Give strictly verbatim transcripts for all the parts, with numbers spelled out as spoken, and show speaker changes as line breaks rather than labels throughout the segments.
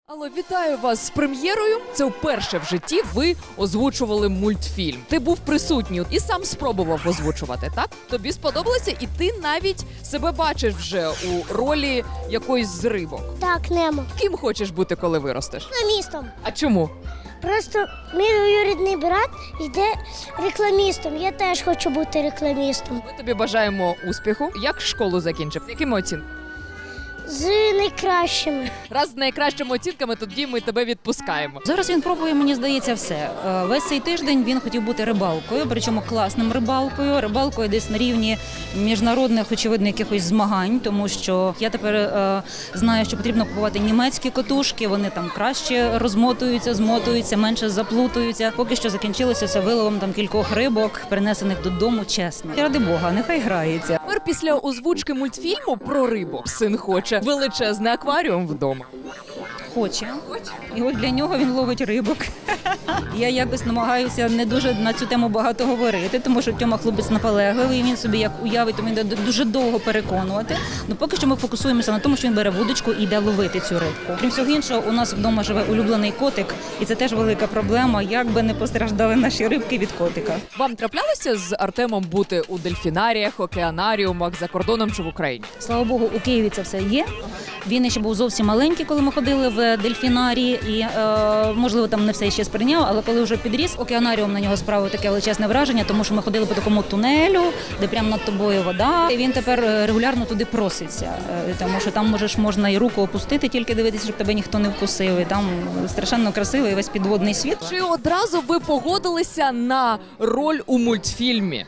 Алло, вітаю вас з прем'єрою. Це вперше в житті ви озвучували мультфільм. Ти був присутній і сам спробував озвучувати, так? Тобі сподобалося, і ти навіть себе бачиш вже у ролі якоїсь з рибок.
Так, Немо.
Ким хочеш бути, коли виростеш?
Рекламістом.
А чому?
Просто мій двоюрідний брат йде рекламістом. Я теж хочу бути рекламістом.
Ми тобі бажаємо успіху. Як школу закінчив? З якими оцінками?
З найкращими.
Раз з найкращими оцінками, тоді ми тебе відпускаємо.
Зараз він пробує, мені здається, все. Е, Весь цей тиждень він хотів бути рибалкою, причому класним рибалкою, рибалкою десь на рівні міжнародних, очевидно, якихось змагань, тому що я тепер е, знаю, що потрібно купувати німецькі котушки, вони там краще розмотуються, змотуються, менше заплутуються. Поки що закінчилося це виловом там кількох рибок, принесених додому, чесно. І ради Бога, нехай грається.
Тепер після озвучки мультфільму про рибу син хоче величезний акваріум вдома.
Хоче. І от для нього він ловить рибок. Я якось намагаюся не дуже на цю тему багато говорити, тому що Тьома хлопець наполегливий, він собі як уявить, то він буде дуже довго переконувати. Ну поки що ми фокусуємося на тому, що він бере вудочку і йде ловити цю рибку. Крім всього іншого, у нас вдома живе улюблений котик, і це теж велика проблема, як би не постраждали наші рибки від котика.
Вам траплялося з Артемом бути у дельфінаріях, океанаріумах за кордоном чи в Україні?
Слава Богу, у Києві це все є. Він ще був зовсім маленький, коли ми ходили в дельфінарії, і, е, можливо, там не все ще сприйняв, але коли вже підріс, океанаріум на нього справив таке величезне враження, тому що ми ходили по такому тунелю, де прямо над тобою вода, і він тепер регулярно туди проситься, е, тому що там можеш можна і руку опустити, тільки дивитися, щоб тебе ніхто не вкусив, і там страшенно красивий весь підводний світ.
Чи одразу ви погодилися на роль у мультфільмі?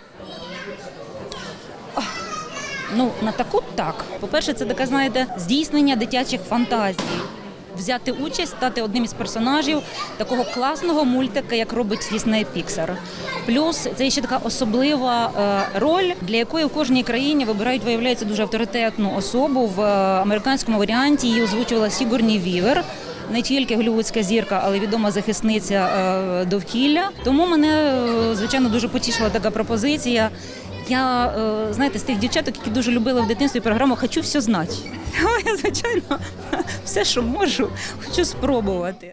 Ну, на таку так. По-перше, це таке, знаєте, здійснення дитячих фантазій. Взяти участь, стати одним із персонажів такого класного мультика, як робить Disney Pixar. Плюс це ще така особлива е, роль, для якої в кожній країні вибирають, виявляється, дуже авторитетну особу. В е, американському варіанті її озвучувала Сігурні Вівер. Не тільки голлівудська зірка, але відома захисниця е, довкілля. Тому мене, е, звичайно, дуже потішила така пропозиція. Я, е, знаєте, з тих дівчаток, які дуже любили в дитинстві програму «Хочу все знати». Я, звичайно, все, що можу, хочу спробувати.